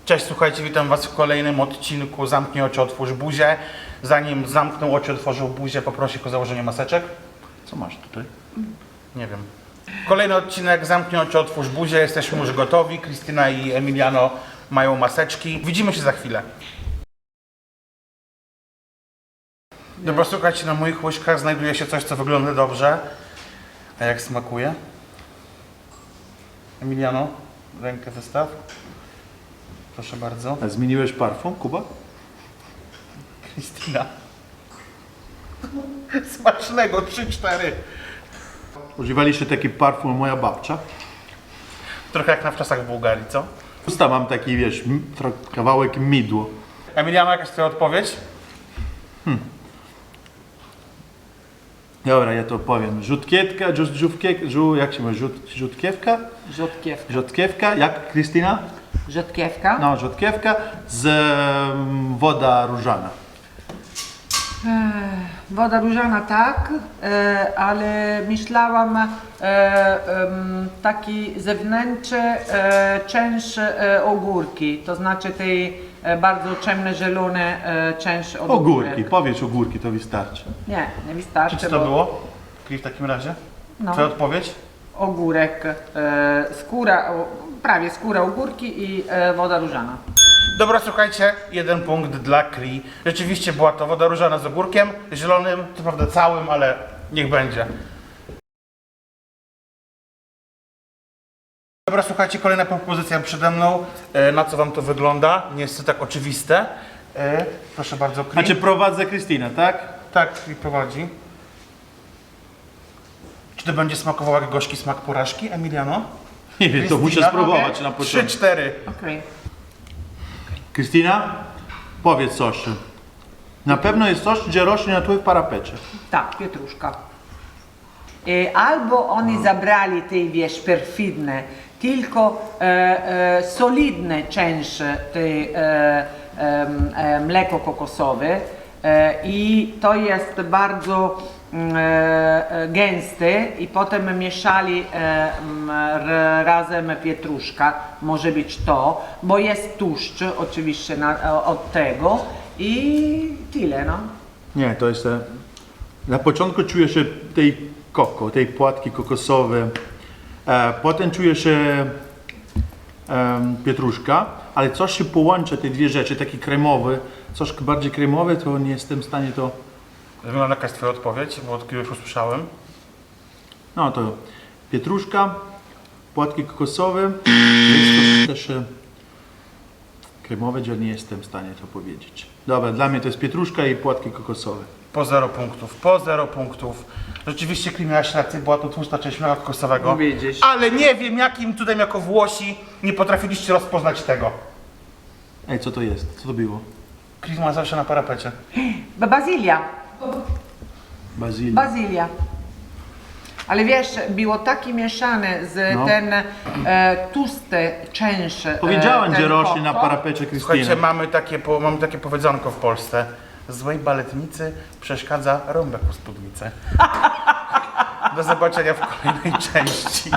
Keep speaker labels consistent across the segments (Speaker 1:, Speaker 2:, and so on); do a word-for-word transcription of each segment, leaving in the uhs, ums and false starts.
Speaker 1: Cześć, słuchajcie, witam was w kolejnym odcinku Zamknij oczy, otwórz buzię. Zanim zamknął oczy, otworzył buzię, poproszę o założenie maseczek. Co masz tutaj? Nie wiem. Kolejny odcinek Zamknij oczy, otwórz buzię. Jesteśmy już gotowi. Krystyna i Emiliano mają maseczki. Widzimy się za chwilę. Dobra, słuchajcie, na moich łyżkach znajduje się coś, co wygląda dobrze. A jak smakuje? Emiliano, rękę wystaw. Proszę bardzo.
Speaker 2: A zmieniłeś parfum, Kuba?
Speaker 1: Krystyna. Smacznego, trzy cztery.
Speaker 2: Używaliście taki parfum moja babcia.
Speaker 1: Trochę jak na wczasach w Bułgarii, co?
Speaker 2: Usta mam taki, wiesz, m- tro- kawałek midło.
Speaker 1: Emiliano, jakaś twoja odpowiedź?
Speaker 2: Dobra, ja to powiem. Rzutkiewka, żu- żółwkie- żu- jak się mówi, rzut- rzutkiewka?
Speaker 3: Rzodkiewka.
Speaker 2: Rzutkiewka, jak Krystyna?
Speaker 3: Rzodkiewka?
Speaker 2: No, rzutkiewka z em, woda różana.
Speaker 3: Woda różana tak, e, ale myślałam e, em, taki zewnętrzny e, część e, ogórki, to znaczy tej e, bardzo ciemne, zielone e, część od
Speaker 2: Ogórki,
Speaker 3: ogórek.
Speaker 2: powiedz ogórki, to wystarczy.
Speaker 3: Nie, nie wystarczy.
Speaker 1: Czy to
Speaker 3: bo
Speaker 1: było? Kri w takim razie?
Speaker 3: No.
Speaker 1: Twoja odpowiedź?
Speaker 3: Ogórek, e, skóra, o, prawie skóra ogórki i e, woda różana.
Speaker 1: Dobra, słuchajcie, jeden punkt dla Kri. Rzeczywiście była to woda różana z ogórkiem, zielonym, co prawda całym, ale niech będzie. Dobra, słuchajcie, kolejna propozycja przede mną. E, Na co wam to wygląda? Nie jest to tak oczywiste. E, Proszę bardzo, Kri.
Speaker 2: Znaczy prowadzę Krystyna, tak?
Speaker 1: Tak, Kri prowadzi. Czy to będzie smakowało jak gorzki smak porażki, Emiliano?
Speaker 2: Nie wiem, to muszę
Speaker 1: Krystyna?
Speaker 2: spróbować na
Speaker 1: Trzy,
Speaker 2: początku.
Speaker 1: cztery.
Speaker 3: Okej.
Speaker 2: Krystyna, powiedz coś. Na pewno jest coś, gdzie rośnie na twoim parapecie.
Speaker 3: Tak, pietruszka. E, albo oni zabrali te, wiesz, perfidne, tylko e, e, solidne część tej e, e, e, mleko kokosowe e, i to jest bardzo mm, e, gęste i potem mieszali e, m, r, razem pietruszka, może być to, bo jest tłuszcz oczywiście na, od tego i tyle, no.
Speaker 2: Nie, to jest... e, Na początku czujesz się tej koko, tej płatki kokosowe, e, potem czujesz się em, pietruszka, ale coś się połącza, te dwie rzeczy, taki kremowy, coś bardziej kremowe, to nie jestem w stanie to...
Speaker 1: Wygląda jaka jest twoja odpowiedź, bo od któregoś usłyszałem.
Speaker 2: No to pietruszka, płatki kokosowe, jest to też e, kremowe, że nie jestem w stanie to powiedzieć. Dobra, dla mnie to jest pietruszka i płatki kokosowe.
Speaker 1: Po zero punktów, po zero punktów. Rzeczywiście, Kri, miałaś rację, była to tłusta część mleka kokosowego.
Speaker 3: Widzisz.
Speaker 1: Ale nie wiem, jakim cudem jako Włosi nie potrafiliście rozpoznać tego.
Speaker 2: Ej, co to jest? Co to było?
Speaker 1: Kri ma zawsze na parapecie.
Speaker 3: Bazylia.
Speaker 2: Bazylia.
Speaker 3: Bazylia. Ale wiesz, było takie mieszane z
Speaker 2: No.
Speaker 3: ten e, tłuste część. e,
Speaker 2: Powiedziałem,
Speaker 3: ten
Speaker 2: że rośnie na
Speaker 3: koko.
Speaker 2: parapecie Krystyny.
Speaker 1: Słuchajcie, mamy takie, po, mamy takie powiedzonko w Polsce. Złej baletnicy przeszkadza rąbek u spódnicy. Do zobaczenia w kolejnej części.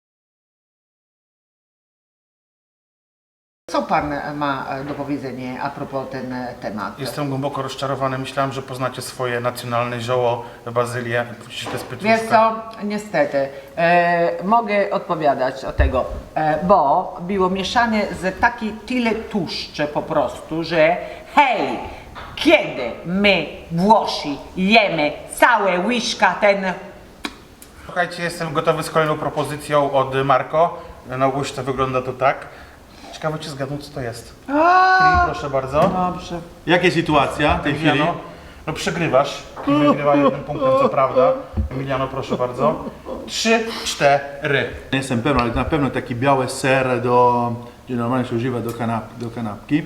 Speaker 3: Co pan ma do powiedzenia a propos ten temat?
Speaker 1: Jestem głęboko rozczarowany. Myślałem, że poznacie swoje nacjonalne zioło, bazylię. To jest
Speaker 3: Wiesz
Speaker 1: pietruszka.
Speaker 3: co, niestety, e, mogę odpowiadać o tego, e, bo było mieszane z taki tyle tłuszcze po prostu, że hej, kiedy my Włosi jemy całe łyżka ten.
Speaker 1: Słuchajcie, jestem gotowy z kolejną propozycją od Marco. Na łyżce wygląda to tak. Ciekawe, czy zgadną, co to jest. Kri, proszę bardzo.
Speaker 3: Dobrze.
Speaker 2: Jaka sytuacja w tej chwili?
Speaker 1: Emiliano, no przegrywasz. Kri wygrywa jednym punktem, co prawda. Emiliano, proszę bardzo. Trzy, cztery.
Speaker 2: Nie jestem pewny, ale na pewno taki biały ser, do, gdzie normalnie się używa do, kanap, do kanapki.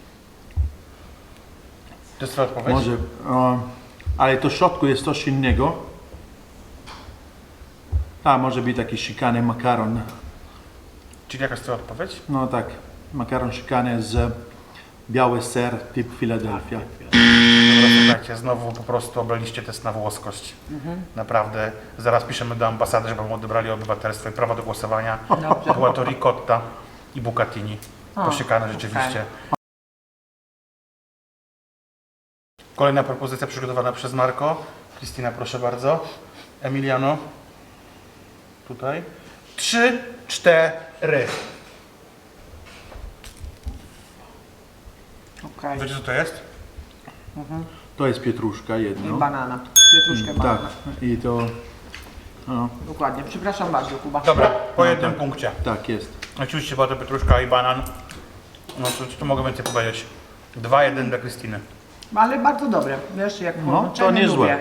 Speaker 1: To jest twoja odpowiedź?
Speaker 2: Może, o, ale to w środku jest coś innego. A, może być taki szykany makaron.
Speaker 1: Czyli jaka jest twoja odpowiedź?
Speaker 2: No tak, makaron szykany z biały ser typ Philadelphia.
Speaker 1: Dobra, słuchajcie, znowu po prostu obraliście test na włoskość. Naprawdę. Zaraz piszemy do ambasady, żeby wam odebrali obywatelstwo i prawo do głosowania.
Speaker 3: Dobrze.
Speaker 1: Była to ricotta i bucatini. posiekane rzeczywiście. Kolejna propozycja przygotowana przez Marco. Krystyna, proszę bardzo. Emiliano. Tutaj. Trzy, cztery.
Speaker 3: Okej.
Speaker 1: Wiecie co to jest?
Speaker 2: To jest pietruszka
Speaker 3: I
Speaker 2: jedno.
Speaker 3: banana. Pietruszkę
Speaker 2: Tak,
Speaker 3: banana.
Speaker 2: i to... No,
Speaker 3: Dokładnie. Przepraszam bardzo, Kuba.
Speaker 1: Dobra, po
Speaker 2: No,
Speaker 1: jednym
Speaker 2: tak.
Speaker 1: punkcie.
Speaker 2: tak jest.
Speaker 1: Oczywiście była to pietruszka i banan. No co tu mogę więcej powiedzieć? dwa jeden dla Krystyny.
Speaker 3: Ale bardzo dobre. Wiesz, jak
Speaker 2: No,
Speaker 3: połączenie
Speaker 2: to niezłe.
Speaker 3: lubię.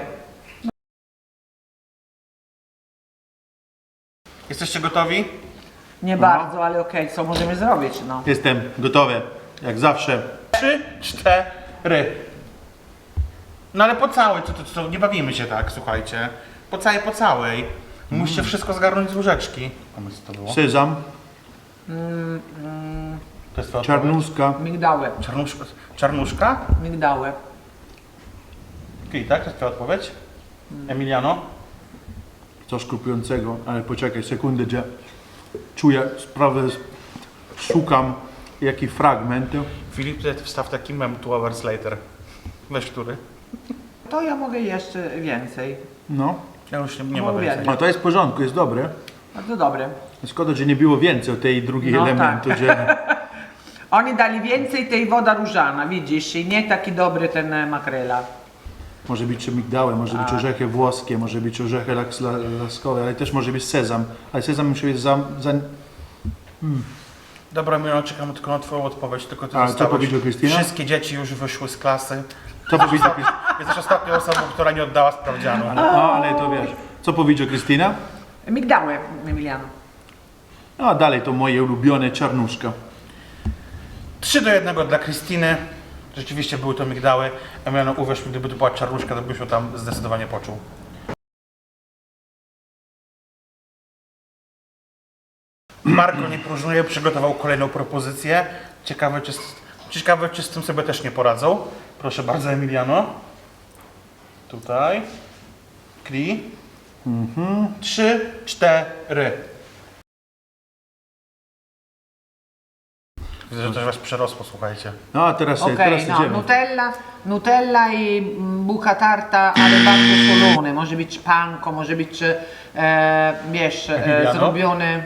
Speaker 1: Jesteście gotowi?
Speaker 3: Nie bardzo, ale okej, co możemy zrobić, no.
Speaker 2: Jestem gotowy, jak zawsze.
Speaker 1: Trzy, cztery. No ale po całej, to, to, to nie bawimy się tak, słuchajcie. Po całej, po całej. Musicie wszystko zgarnąć z łyżeczki. A my co to było?
Speaker 2: Sezam,
Speaker 1: To jest twoja odpowiedź?
Speaker 2: czarnuska.
Speaker 3: Migdały.
Speaker 1: Czarnuszka? Czarnuszka?
Speaker 3: Migdały.
Speaker 1: Okej, tak? To jest twoja odpowiedź? Emiliano?
Speaker 2: Coś krupującego, ale poczekaj sekundę, że czuję sprawę, szukam jaki fragment.
Speaker 1: Filip, tutaj wstaw taki mem two hours later. Weź który?
Speaker 3: To ja mogę jeszcze więcej.
Speaker 2: No,
Speaker 1: Ja już nie, nie ma
Speaker 3: Mówię.
Speaker 1: więcej.
Speaker 2: a to jest w porządku, jest dobre.
Speaker 3: Bardzo dobre.
Speaker 2: Szkoda, że nie było więcej tej drugiej
Speaker 3: No
Speaker 2: elementu,
Speaker 3: tak.
Speaker 2: że...
Speaker 3: Oni dali więcej tej woda różana, widzisz, i nie taki dobry ten e, makrela.
Speaker 2: Może być migdały, może być orzechy włoskie, może być orzechy laks- la- laskowe, ale też może być sezam. Ale sezam musi być za... za...
Speaker 1: Dobra, Emiliano, czekamy tylko na twoją odpowiedź. Tylko ty
Speaker 2: A, co
Speaker 1: zostałeś.
Speaker 2: powiedział Krystyna?
Speaker 1: Wszystkie dzieci już wyszły z klasy.
Speaker 2: Co powiedział,
Speaker 1: Jesteś ostatnią osobą, która nie oddała sprawdzianu.
Speaker 2: no, ale to wiesz. Co powiedział Krystyna?
Speaker 3: Migdały, Emiliano.
Speaker 2: No dalej to moje ulubione czarnuszka.
Speaker 1: trzy do jednego dla Krystyny. Rzeczywiście były to migdały. Emiliano, uwierz mi, gdyby to była czarnuszka, to byś ją tam zdecydowanie poczuł. Marko nie próżnuje, przygotował kolejną propozycję. Ciekawe czy, z- ciekawe, czy z tym sobie też nie poradzą. Proszę bardzo, Emiliano. Tutaj. Kri. Mhm. Trzy, cztery. Widzę, że coś was przerosło, słuchajcie.
Speaker 2: No a teraz,
Speaker 3: Okej,
Speaker 2: teraz
Speaker 3: no,
Speaker 2: idziemy.
Speaker 3: Nutella, Nutella i mm, bucha tarta, ale bardzo solone. Może być panko, może być, e, wiesz, e,
Speaker 1: Emiliano?
Speaker 3: zrobione...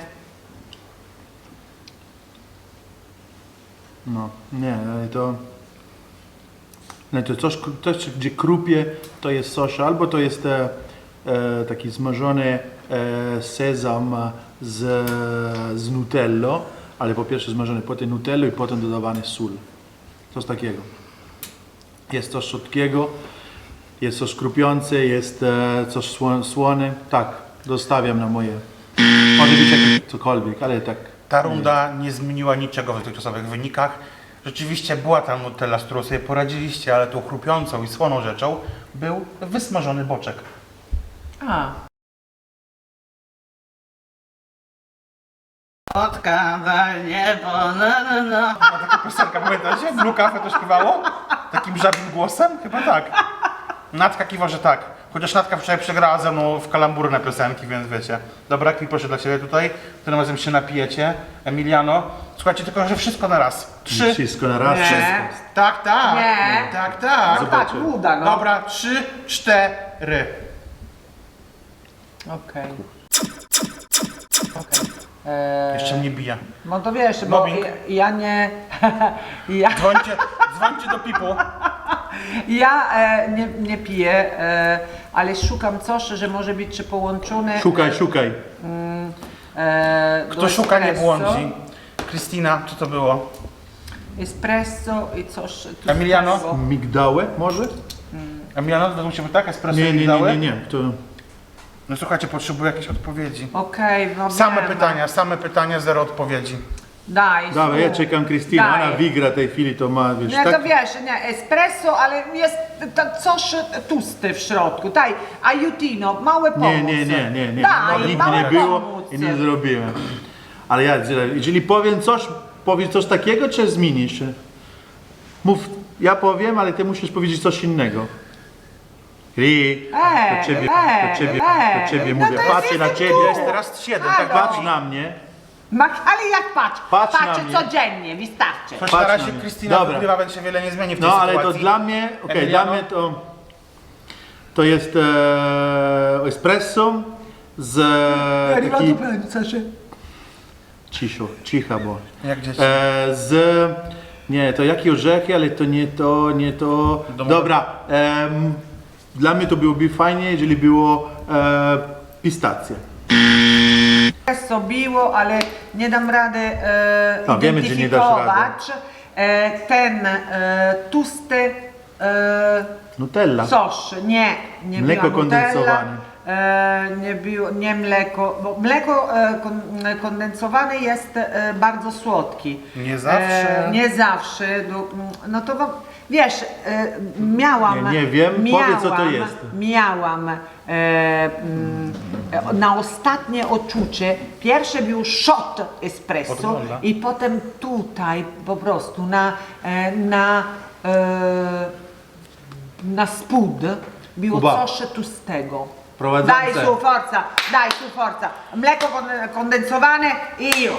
Speaker 2: No, nie, ale to... Nie, to coś, coś, gdzie krupie, to jest sos, albo to jest e, e, taki zmażony e, sezam z, z nutellą, ale po pierwsze zmażony potem nutellą i potem dodawany sól. Coś takiego. Jest coś słodkiego, jest coś krupiące, jest e, coś sło, słone. Tak, dostawiam na moje... Może być jakieś cokolwiek, ale tak...
Speaker 1: Ta runda nie zmieniła niczego w dotychczasowych wynikach. Rzeczywiście była tam Nutella, z którą sobie poradziliście, ale tą chrupiącą i słoną rzeczą był wysmażony boczek.
Speaker 3: A,
Speaker 1: Odkazać niebo, na na na. A taka piosenka, pamiętacie? Blue Cafe to śpiewało? Takim żabim głosem? Chyba tak. Natka kiwa, że tak. Chociaż Natka wczoraj przegrała ze mną w kalambury na piosenki, więc wiecie. Dobra, Kri, proszę dla Ciebie tutaj. Tym razem się napijecie. Emiliano. Słuchajcie, tylko że wszystko na raz. Trzy.
Speaker 2: Wszystko na raz.
Speaker 3: Nie.
Speaker 2: wszystko.
Speaker 1: Tak, tak.
Speaker 3: Nie.
Speaker 1: Tak, tak.
Speaker 3: no tak, uda, no.
Speaker 1: Dobra, trzy, cztery.
Speaker 3: okej. Okej. E,
Speaker 1: Jeszcze mnie bije.
Speaker 3: No to wiesz, bo
Speaker 1: Mobbing.
Speaker 3: ja, ja nie... ja
Speaker 1: Dzwońcie, dzwońcie do Pipu.
Speaker 3: ja e, nie, nie piję, e, ale szukam coś, że może być połączone...
Speaker 2: Szukaj, szukaj.
Speaker 3: E, do
Speaker 1: Kto szuka, nie
Speaker 3: espresso.
Speaker 1: błądzi. Krystyna, co to było?
Speaker 3: Espresso i coś... tu
Speaker 1: Emiliano?
Speaker 3: z tego.
Speaker 2: Migdały może?
Speaker 1: Emiliano, według Ciebie tak? Espresso
Speaker 2: Nie,
Speaker 1: i
Speaker 2: nie, nie,
Speaker 1: migdały?
Speaker 2: nie, nie. To...
Speaker 1: No słuchajcie, potrzebuję jakiejś odpowiedzi.
Speaker 3: Okej, no
Speaker 1: Same
Speaker 3: wiem.
Speaker 1: pytania, same pytania, zero odpowiedzi.
Speaker 3: Daj.
Speaker 2: Dobra, ja
Speaker 3: tu.
Speaker 2: czekam Krystyna,
Speaker 3: Daj.
Speaker 2: ona wygra tej chwili, to ma, wiesz,
Speaker 3: Nie,
Speaker 2: tak?
Speaker 3: to wiesz, nie, espresso, ale jest to coś tłusty w środku. Daj, aiutino, małe pomoc.
Speaker 2: Nie, nie, nie, nie, nie.
Speaker 3: Daj,
Speaker 2: No, nigdy
Speaker 3: małe
Speaker 2: nie było
Speaker 3: pomóc.
Speaker 2: i nie zrobiłem. Ale ja, jeżeli powiem coś, powiedz coś takiego, czy zmienisz? Mów, ja powiem, ale ty musisz powiedzieć coś innego. Ri,
Speaker 3: Ej,
Speaker 2: do ciebie,
Speaker 3: ej,
Speaker 2: do ciebie,
Speaker 3: ej,
Speaker 2: do ciebie
Speaker 3: no
Speaker 2: mówię,
Speaker 3: to jest
Speaker 2: patrzę na
Speaker 3: jestem
Speaker 2: ciebie,
Speaker 3: tu.
Speaker 1: Jest teraz siedem,
Speaker 3: Halo.
Speaker 1: tak
Speaker 2: patrz na mnie
Speaker 3: Ma, ale jak patrz,
Speaker 2: Patrz na
Speaker 3: patrzę
Speaker 2: mnie.
Speaker 3: codziennie, wystarczy.
Speaker 1: Choć
Speaker 2: Patrz
Speaker 1: na
Speaker 2: na
Speaker 1: razie
Speaker 2: mnie.
Speaker 1: Krystyna
Speaker 2: Dobra.
Speaker 1: wygrywa, więc się wiele nie zmieni w tej
Speaker 2: No ale
Speaker 1: sytuacji.
Speaker 2: to dla mnie, okej, dla
Speaker 1: Emiliano?
Speaker 2: mnie to, to jest e, espresso z e, taki... Ciszo, cicha bo.
Speaker 1: Jak dzieci.
Speaker 2: E, z, nie, to jakie orzechy, ale to nie to, nie to.
Speaker 1: Domowe.
Speaker 2: Dobra, em, dla mnie to byłoby fajnie, jeżeli było e, pistacje.
Speaker 3: Espresso biło, ale nie dam rady e,
Speaker 2: A, wiemy, że nie dasz
Speaker 3: identyfikować e, ten e, tłusty e,
Speaker 2: Nutella.
Speaker 3: sosz. Nie, nie
Speaker 2: Mleko
Speaker 3: była Nutella,
Speaker 2: kondensowane.
Speaker 3: e, nie, było, nie mleko, bo mleko e, kon, kondensowane jest e, bardzo słodki.
Speaker 1: Nie zawsze.
Speaker 3: E, nie zawsze. No, no to wam- wiesz, e, miałam.
Speaker 2: Nie, nie wiem,
Speaker 3: miałam,
Speaker 2: powiedz, co to jest.
Speaker 3: Miałam e, mm, e, na ostatnie odczucie, pierwsze był shot espresso
Speaker 1: Podgląda.
Speaker 3: i potem tutaj po prostu na, e, na, e, na spód było
Speaker 2: Kuba.
Speaker 3: coś tłustego.
Speaker 2: Prowadzące.
Speaker 3: Daj su forza, daj su forza. Mleko kon- kondensowane i już.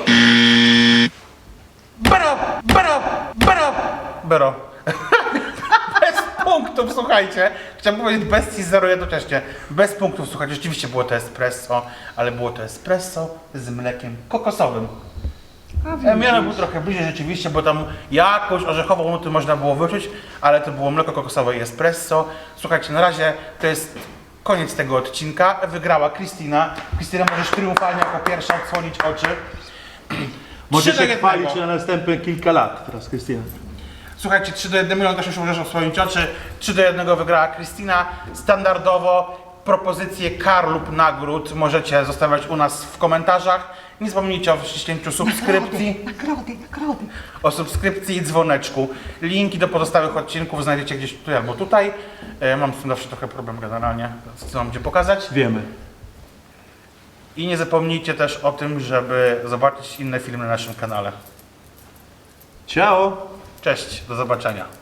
Speaker 1: Bero! Bero! Bero! Bero. Bez punktów, słuchajcie. Chciałem powiedzieć bez i zero jednocześnie. Bez punktów, słuchajcie. Rzeczywiście było to espresso, ale było to espresso z mlekiem kokosowym. Miano był trochę bliżej rzeczywiście, bo tam jakąś orzechową nutę można było wyczuć, ale to było mleko kokosowe i espresso. Słuchajcie, na razie to jest koniec tego odcinka. Wygrała Krystyna. Krystyna, możesz triumfalnie jako pierwsza odsłonić oczy.
Speaker 2: Możesz
Speaker 1: Trzy do
Speaker 2: się
Speaker 1: jednego.
Speaker 2: chwalić na następne kilka lat teraz, Krystyna.
Speaker 1: Słuchajcie, trzy do jednego, milion też już możesz odsłonić oczy. trzy do jednego wygrała Krystyna. Standardowo propozycje kar lub nagród możecie zostawiać u nas w komentarzach. Nie zapomnijcie o wciśnięciu subskrypcji,
Speaker 3: Nagrody, nagrody.
Speaker 1: o subskrypcji i dzwoneczku. Linki do pozostałych odcinków znajdziecie gdzieś tutaj albo tutaj. E, Mam z tym zawsze trochę problem generalnie, więc chcę wam gdzie pokazać.
Speaker 2: Wiemy.
Speaker 1: I nie zapomnijcie też o tym, żeby zobaczyć inne filmy na naszym kanale.
Speaker 2: Ciao!
Speaker 1: Cześć, do zobaczenia.